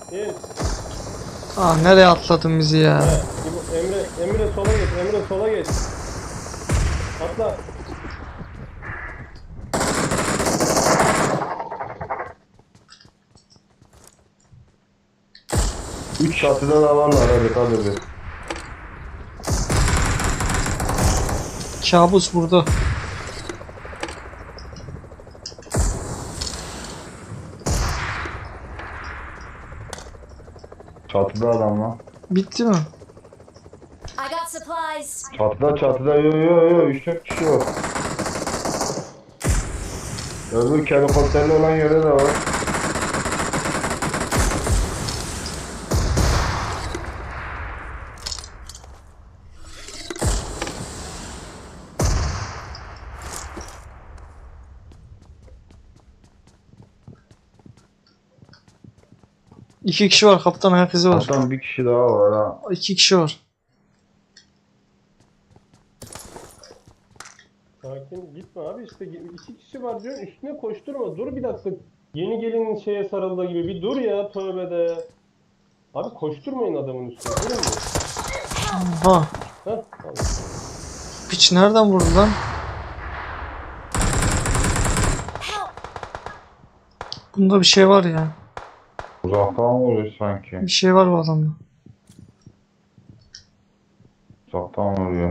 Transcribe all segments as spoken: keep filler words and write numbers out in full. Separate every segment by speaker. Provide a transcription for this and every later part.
Speaker 1: Geç.
Speaker 2: Ah nereye atladın bizi ya?
Speaker 1: Evet. Emre, Emre sola geç. Emre sola geç. Atla.
Speaker 3: Üç çatıda da varlar hadi hadi bir.
Speaker 2: Kabus burada.
Speaker 3: Çatıda adam lan.
Speaker 2: Bitti mi?
Speaker 4: I got supplies.
Speaker 3: Çatıda çatıda yo yo yo üç dört kişi var. Öbür helikopterli olan yerde de var.
Speaker 2: İki kişi var kaptan, herkese var.
Speaker 3: Kaptan bir kişi daha var ha.
Speaker 2: İki kişi var.
Speaker 1: Sakin gitme abi işte iki kişi var diyor üstüne koşturma dur bir dakika. Yeni gelin şeye sarıldığı gibi bir dur ya tövbe de. Abi koşturmayın adamın üstüne durun mu?
Speaker 2: Ha.
Speaker 1: Heh tamam.
Speaker 2: Piç nereden vurdu lan? Bunda bir şey var ya.
Speaker 3: Uzaktan vuruyor sanki.
Speaker 2: Bir şey var bu adamda.
Speaker 3: Uzaktan vuruyor.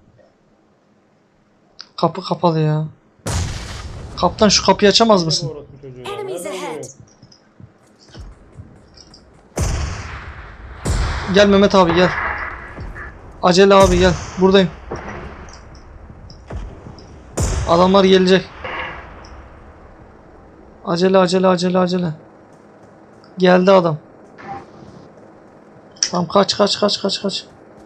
Speaker 2: Kapı kapalı ya. Kaptan şu kapıyı açamaz mısın?
Speaker 1: Orası çocuğu ya.
Speaker 4: Enemies
Speaker 1: Nereden
Speaker 4: ahead.
Speaker 1: geliyor?
Speaker 2: Gel Mehmet abi gel. Acele abi gel. Buradayım. Adamlar gelecek. Acele acele acele acele. Geldi adam. Tamam kaç kaç kaç kaç kaç.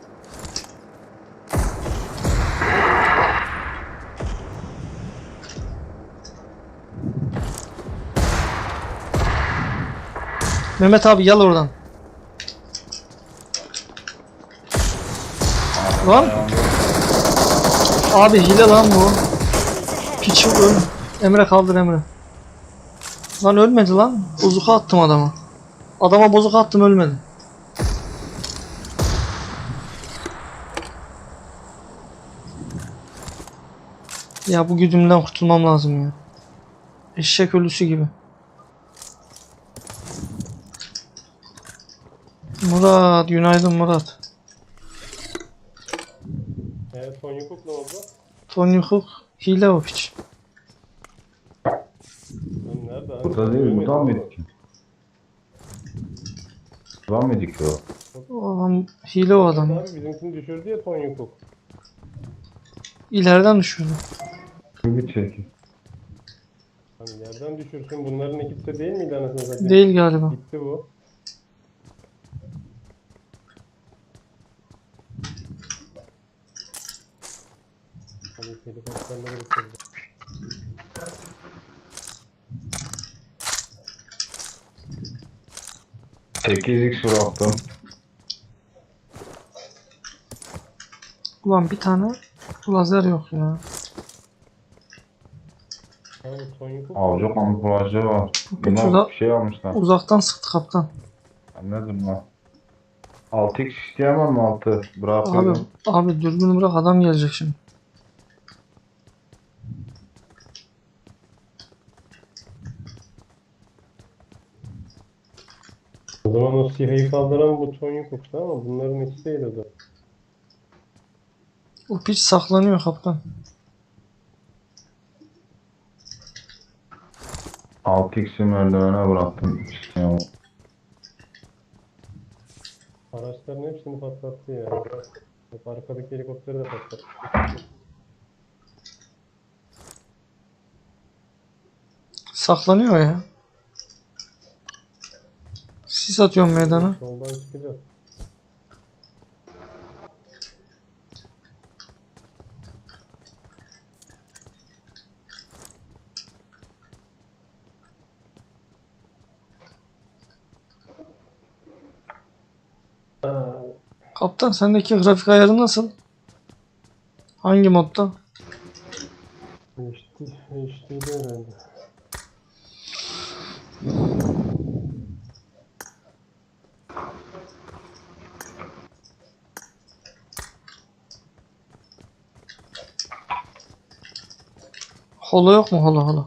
Speaker 2: Mehmet abi gel oradan. Lan. Abi hile lan bu. Piçi öl. Emre kaldır Emre. Lan ölmedi lan. Bozuka attım adama. Adama bozuka attım ölmedi. Ya bu güdümden kurtulmam lazım ya. Eşek ölüsü gibi. Murat, günaydın Murat.
Speaker 1: Evet son yukuk ne oldu?
Speaker 2: Tony Hook hile o piç.
Speaker 1: Lan nerede abi?
Speaker 3: Burada değil,
Speaker 1: Görmedim
Speaker 3: buradan
Speaker 1: ama.
Speaker 3: mıydı ki? Buradan mıydı ki o?
Speaker 2: O adam hile o adam.
Speaker 1: Abi bizimkini düşürdü ya son yukuk.
Speaker 2: İleriden düşürdü.
Speaker 3: Bir çekin.
Speaker 1: Hani yerden düşürsün bunların ekipte değil miydi anasını satayım?
Speaker 2: Değil galiba.
Speaker 1: Gitti bu. Hani helikopterleri bitirdi.
Speaker 3: sekiz x bıraktım.
Speaker 2: Ulan bir tane lazer yok ya.
Speaker 1: Abi son yukuk.
Speaker 3: Avcı kamuflajı var.
Speaker 2: Peki,
Speaker 3: Bunlar
Speaker 2: uza-
Speaker 3: bir şey almışlar.
Speaker 2: Uzaktan sıktı kaptan.
Speaker 3: Anladım lan. altı x isteyemem mi altı?
Speaker 2: Abi,
Speaker 3: Bırakıyorum.
Speaker 2: abi dürbünü bırak adam gelecek şimdi.
Speaker 1: O zaman o sihayı kaldıran bu son yukuktu ama bunların ikisi değil o da.
Speaker 2: O piç saklanıyor kaptan.
Speaker 3: altı x'i merdivene bıraktım. İsteyemem.
Speaker 1: Araçların hepsini patlattı ya. Bak arkadaki helikopteri de patlattı.
Speaker 2: Saklanıyor ya. Sis atıyorum meydana.
Speaker 1: Soldan çıkacağız. Aa,
Speaker 2: Kaptan sendeki grafik ayarı nasıl? Hangi modda?
Speaker 1: H D, H D'de herhalde.
Speaker 2: Holo yok mu? Holo holo.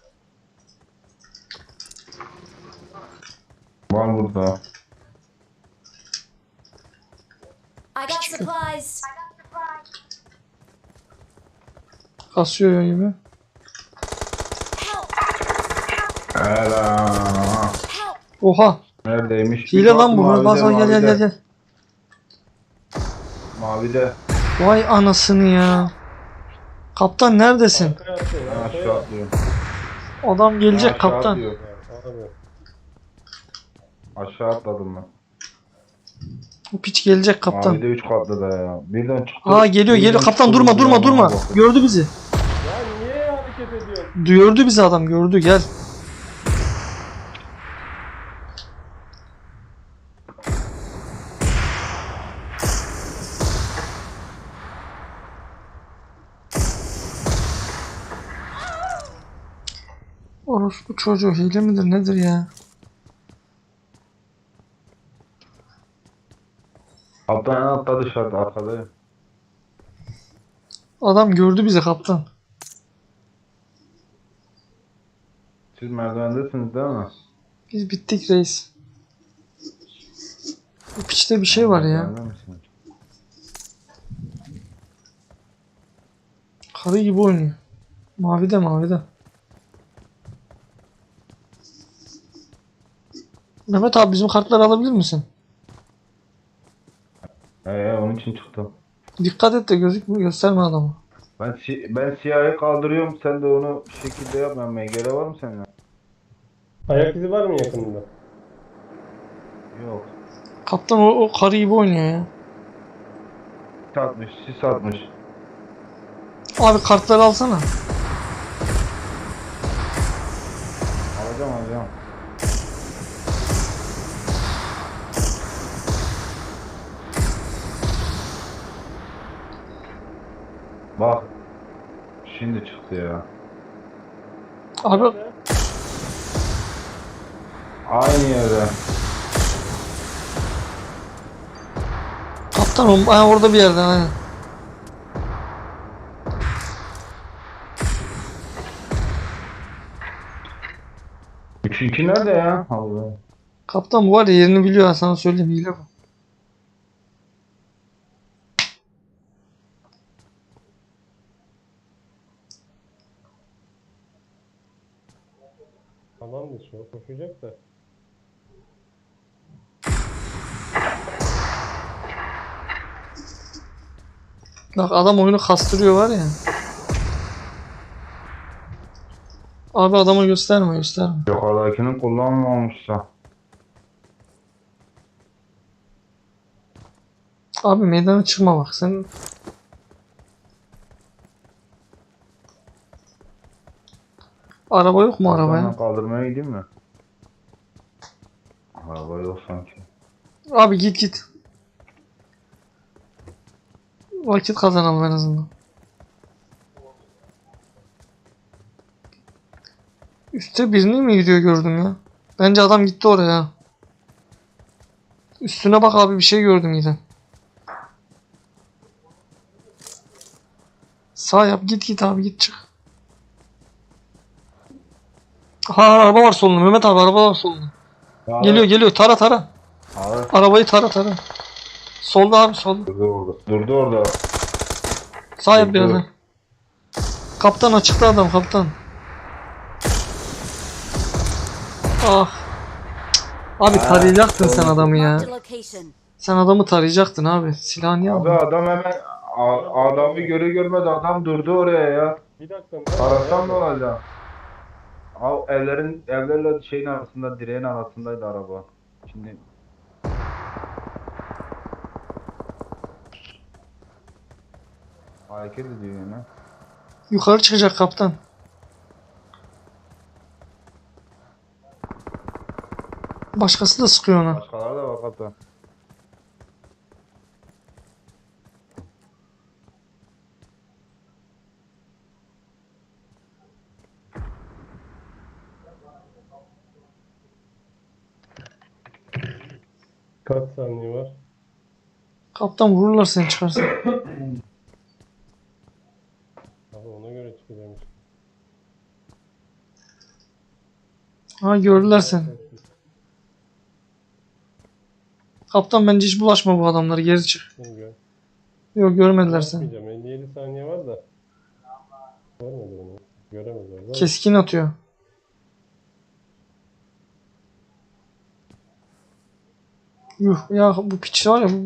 Speaker 3: Var burada.
Speaker 4: I got supplies.
Speaker 2: Kasıyor gibi.
Speaker 4: Help!
Speaker 3: Ela.
Speaker 4: Help!
Speaker 2: Oha.
Speaker 3: Neredeymiş?
Speaker 2: Hile
Speaker 3: Bir
Speaker 2: lan bu.
Speaker 3: mavide,
Speaker 2: Bas bas gel gel gel
Speaker 3: mavide.
Speaker 2: gel.
Speaker 3: Mavide.
Speaker 2: Vay anasını ya. Kaptan neredesin?
Speaker 1: Arkaya atlayın,
Speaker 3: Ben
Speaker 1: arkaya.
Speaker 3: aşağı atlıyorum.
Speaker 2: Adam gelecek
Speaker 3: Aşağı
Speaker 2: kaptan.
Speaker 3: atlıyorum.
Speaker 1: Abi.
Speaker 3: Aşağı atladım ben.
Speaker 2: Bu piç gelecek kaptan.
Speaker 3: Mavide üç katlı da ya. Birden çıktı.
Speaker 2: Aa geliyor
Speaker 3: birden
Speaker 2: geliyor. Kaptan
Speaker 3: çıktı,
Speaker 2: durma
Speaker 3: bir
Speaker 2: durma
Speaker 3: yandan
Speaker 2: durma.
Speaker 3: baktı.
Speaker 2: Gördü bizi.
Speaker 1: Ya niye hareket ediyorsun?
Speaker 2: Gördü bizi adam gördü gel. Orospu çocuğu hile midir nedir ya?
Speaker 3: Kaptan en altta dışarıda arkada.
Speaker 2: Adam gördü bizi kaptan.
Speaker 3: Siz merdivendesiniz değil mi?
Speaker 2: Biz bittik reis. Bu piçte bir şey var ya.
Speaker 3: Merdivende misiniz?
Speaker 2: Karı gibi oynuyor. Mavide mavide. Mehmet abi bizim kartları alabilir misin?
Speaker 3: Ee, onun için çıktım.
Speaker 2: Dikkat et de gözükmüyor gösterme adamı.
Speaker 3: Ben si ben siyahı kaldırıyorum. Sen de onu bir şekilde yap. Ben M G R var mı senin?
Speaker 1: Ayak izi var mı yakınında?
Speaker 3: Yok.
Speaker 2: Kaptan o, o karı gibi oynuyor ya.
Speaker 3: Sis atmış. Sis atmış.
Speaker 2: Abi kartları alsana.
Speaker 3: Alacağım alacağım. Bak. Şimdi çıktı ya.
Speaker 2: Abi
Speaker 3: Aynı yerde.
Speaker 2: kaptan o, ha, orada bir yerde aynen.
Speaker 3: Üçüncü nerede ya? Allah.
Speaker 2: Kaptan bu var ya yerini biliyor ha, sana söyleyeyim hile bu.
Speaker 1: Alan dışı o koşacak da.
Speaker 2: Bak adam oyunu kastırıyor var ya. Abi adama gösterme gösterme.
Speaker 3: Yukarıdakini kullanmamışsa.
Speaker 2: Abi meydana çıkma bak sen. Araba yok mu arabaya?
Speaker 3: Arkadan kaldırmaya gideyim mi? Araba yok sanki.
Speaker 2: Abi git git. Vakit kazanalım en azından. Üste birini mi gidiyor gördüm ya? Bence adam gitti oraya. Üstüne bak abi bir şey gördüm yine. Sağ yap git git abi git çık. Ha araba var solunda Mehmet abi araba var solunda. Geliyor geliyor tara tara.
Speaker 3: Abi.
Speaker 2: Arabayı tara tara. Solda abi solda.
Speaker 3: Durdu orada. Durdu orada.
Speaker 2: Sağ yap
Speaker 3: Durdu.
Speaker 2: biraz daha. Kaptan açıkta adam kaptan. Ah. Abi
Speaker 3: Ha,
Speaker 2: tarayacaktın sen
Speaker 3: oldu.
Speaker 2: adamı ya.
Speaker 4: Marked a location.
Speaker 2: Sen adamı tarayacaktın abi. Silahı niye
Speaker 3: Abi
Speaker 2: aldın?
Speaker 3: adam hemen a- adamı görü görmedi adam durdu oraya ya.
Speaker 1: Bir dakika.
Speaker 3: Arasam ne olacak? Abi evlerin evlerle şeyin arasında direğin arasındaydı araba. Şimdi hareket ediyor yine.
Speaker 2: Yukarı çıkacak kaptan. Başkası da sıkıyor ona.
Speaker 3: Başkaları da var kaptan.
Speaker 1: Kaç saniye var?
Speaker 2: Kaptan vururlar seni çıkarsa.
Speaker 1: Abi ona göre çıkacağım işte.
Speaker 2: Ha gördüler seni. Kaptan bence hiç bulaşma bu adamlara, geri çık.
Speaker 1: Beni gör.
Speaker 2: Yok görmediler seni.
Speaker 1: Yapmayacağım. elli yedi saniye var da. Görmedi beni. Göremediler. Zaten
Speaker 2: Keskin atıyor. Yuh ya, bu piç var ya, bu